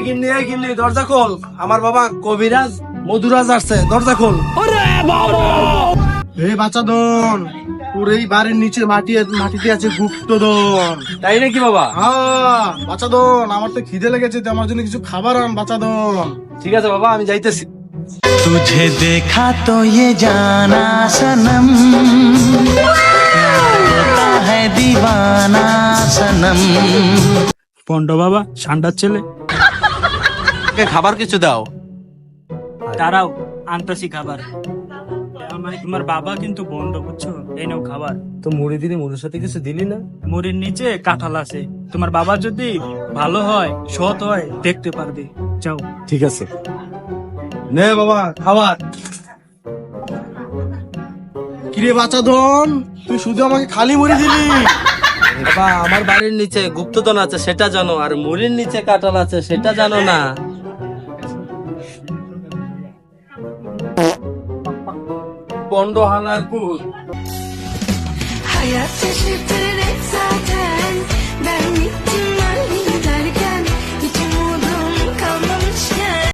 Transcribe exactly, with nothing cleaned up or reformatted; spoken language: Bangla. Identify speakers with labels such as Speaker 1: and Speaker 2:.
Speaker 1: গিন্নি এই গিন্নি দরজা খোল, আমার বাবা কবিরাজ মধুরাজ আসছে, দরজা খোল।
Speaker 2: এই বাচ্চাদন, তোর এই বাড়ির নিচে মাটি মাটিতে আছে গুপ্তধন।
Speaker 1: তাই নাকি বাবা?
Speaker 2: হ্যাঁ বাচ্চাদন, আমার তো খিদে লেগেছে, তো আমার জন্য কিছু খাবার আন বাচ্চাদন।
Speaker 1: ঠিক আছে বাবা, আমি যাইতেছি।
Speaker 3: तुझे देखा तो ये जाना सनम, होता है दीवाना सनम।
Speaker 4: পন্ড বাবা ঠান্ডার ছেলে,
Speaker 1: ওকে খাবার কিছু দাও।
Speaker 4: তারাও আনতাছি খাবার। আমার তোমার বাবা কিন্তু বন্ধ, বুঝছো? এই নাও খাবার।
Speaker 1: তো মুড়ি দিলি, মুড়ির সাথে কিছু দিলি না?
Speaker 4: মুড়ির নিচে কাঁঠাল আছে, তোমার বাবা যদি ভালো হয়, সৎ হয়, দেখতে পারবে। যাও।
Speaker 1: ঠিক আছে, নে বাবা খাবার।
Speaker 2: কিরে বাচ্চাদন, তুই শুধু আমাকে খালি মুড়ি দিলি?
Speaker 1: বাবা, আমার বাড়ির নিচে গুপ্তধন আছে সেটা জানো, আর মুড়ির নিচে কাঁঠাল আছে সেটা জানো না। পন্ড হানার কুল।
Speaker 5: Hayat çeşitleri zaten